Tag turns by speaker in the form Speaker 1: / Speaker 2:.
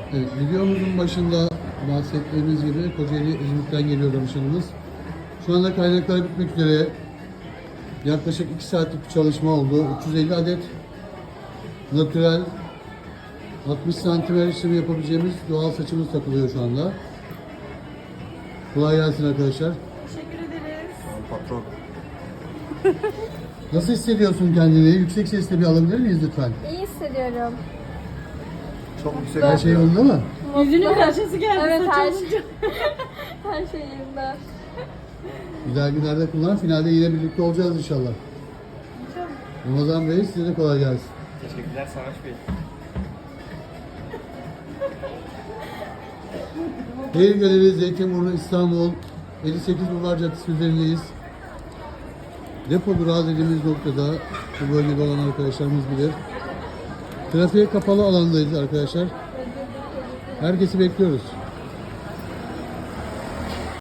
Speaker 1: Evet, videomuzun başında bahsettiğimiz gibi Kocaeli İzmit'ten geliyor danışanımız. Şu anda kaynaklar bitmek üzere. Yaklaşık 2 saatlik bir çalışma oldu. 350 adet natürel 60 santim işlemi yapabileceğimiz doğal saçımız takılıyor şu anda. Kolay gelsin arkadaşlar.
Speaker 2: Teşekkür ederiz.
Speaker 3: Patron.
Speaker 1: Nasıl hissediyorsun kendini? Yüksek sesle bir alabilir miyiz lütfen?
Speaker 4: İyi hissediyorum.
Speaker 3: Çok yüksek.
Speaker 1: Her şey yolunda mı?
Speaker 2: Yüzünün karşısı geldi.
Speaker 4: Evet,
Speaker 2: saç
Speaker 4: her
Speaker 2: olunca.
Speaker 4: şey. Her şey yerinde.
Speaker 1: Güzel günlerde kullan. Finalde yine birlikte olacağız inşallah. Ramazan Bey size de kolay gelsin.
Speaker 3: Teşekkürler Savaş Bey.
Speaker 1: Hayır Galeri Zeytinburnu İstanbul 58 Bulvar Caddesi üzerindeyiz. Depo durağı dediğimiz noktada bu bölgede olan arkadaşlarımız bilir. Trafiğe kapalı alandayız arkadaşlar. Herkesi bekliyoruz.